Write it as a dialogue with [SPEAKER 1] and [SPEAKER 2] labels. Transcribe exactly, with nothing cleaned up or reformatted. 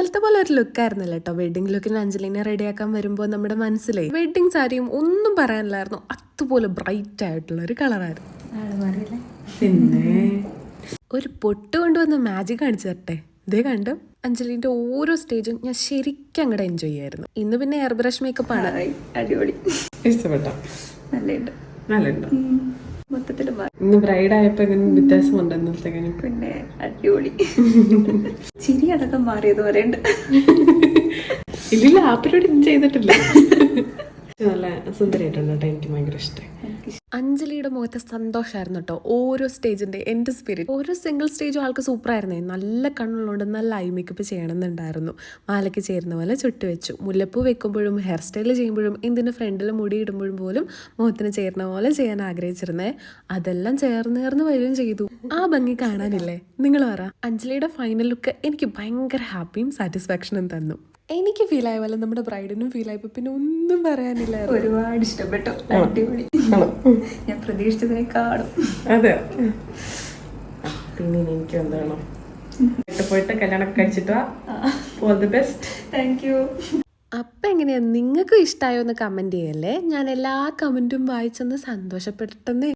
[SPEAKER 1] ഇന്നലത്തെ പോലെ ഒരു ലുക്കായിരുന്നല്ലോ കേട്ടോ. വെഡിങ് ലുക്കിന് അഞ്ജലിനെ റെഡിയാക്കാൻ വരുമ്പോൾ നമ്മുടെ മനസ്സിലെ വെഡിങ് സാരിയും ഒന്നും പറയാനില്ലായിരുന്നു. അതുപോലെ ബ്രൈറ്റ് ആയിട്ടുള്ള ഒരു കളറായിരുന്നു. പിന്നെ ഒരു പൊട്ട് കൊണ്ടുവന്ന് മാജിക് കാണിച്ചു തരട്ടെ. ഇതേ കണ്ടു അഞ്ജലിന്റെ ഓരോ സ്റ്റേജും ഞാൻ ശരിക്കും അങ്ങോട്ട് എൻജോയ് ചെയ്യായിരുന്നു. ഇന്ന് പിന്നെ എയർ ബ്രഷ് മേക്കപ്പ് ആണ്.
[SPEAKER 2] അടിപൊളി,
[SPEAKER 1] ഇഷ്ടപ്പെട്ടോ?
[SPEAKER 2] നല്ലുണ്ട്,
[SPEAKER 1] നല്ലുണ്ട്.
[SPEAKER 2] മൊത്തത്തിൽ
[SPEAKER 1] ഇന്ന് ബ്രൈഡ് ആയപ്പോ വ്യത്യാസമുണ്ട് ഇന്നലത്തെ.
[SPEAKER 2] പിന്നെ അടിപൊളി ചിരി അടക്കം മാറിയത് പറയണ്ട.
[SPEAKER 1] ഇല്ല, ആ പരിപാടി ചെയ്തിട്ടില്ല. നല്ല സുന്ദരമായിട്ടുണ്ട് കേട്ടോ. എനിക്ക് ഭയങ്കര ഇഷ്ടമായി. അഞ്ജലിയുടെ മുഖത്തെ സന്തോഷമായിരുന്നു കേട്ടോ ഓരോ സ്റ്റേജിന്റെ എൻ്റെ സ്പിരിറ്റ്. ഓരോ സിംഗിൾ സ്റ്റേജും ആൾക്ക് സൂപ്പറായിരുന്നേ. നല്ല കണ്ണുള്ളതുകൊണ്ട് നല്ല ഐ മേക്കപ്പ് ചെയ്യണമെന്നുണ്ടായിരുന്നു. മാലയ്ക്ക് ചേരുന്ന പോലെ ചുട്ട് വെച്ചു. മുല്ലപ്പൂ വെക്കുമ്പോഴും ഹെയർ സ്റ്റൈൽ ചെയ്യുമ്പോഴും എന്തിൻ്റെ ഫ്രണ്ടിൽ മുടി ഇടുമ്പോഴും പോലും മുഖത്തിന് ചേരുന്ന പോലെ ചെയ്യാൻ ആഗ്രഹിച്ചിരുന്നേ. അതെല്ലാം ചേർന്ന് ചേർന്ന് വരികയും ചെയ്തു. ആ ഭംഗി കാണാനില്ലേ? നിങ്ങൾ പറ. അഞ്ജലിയുടെ ഫൈനൽ ലുക്ക് എനിക്ക് ഭയങ്കര ഹാപ്പിയും സാറ്റിസ്ഫാക്ഷനും തന്നു. എനിക്ക് ഫീൽ ആയ പോലെ നമ്മുടെ ബ്രൈഡിനും ഫീൽ ആയപ്പോ പിന്നെ ഒന്നും പറയാനില്ല.
[SPEAKER 2] ഒരുപാട് ഇഷ്ടപ്പെട്ടു. അടിപൊളി. ഞാൻ പ്രതീക്ഷിച്ചതിനേക്കാളും.
[SPEAKER 1] അതെ. പിന്നെ എനിക്ക് എന്താണ് പോയിട്ട് കല്യാണം കഴിച്ചിട്ട് all the best.
[SPEAKER 2] Thank you.
[SPEAKER 1] അപ്പം എങ്ങനെയാ, നിങ്ങൾക്കും ഇഷ്ടമായോ എന്ന് കമൻറ്റ് ചെയ്യല്ലേ. ഞാൻ എല്ലാ കമൻറ്റും വായിച്ചൊന്ന് സന്തോഷപ്പെട്ടെന്നേ.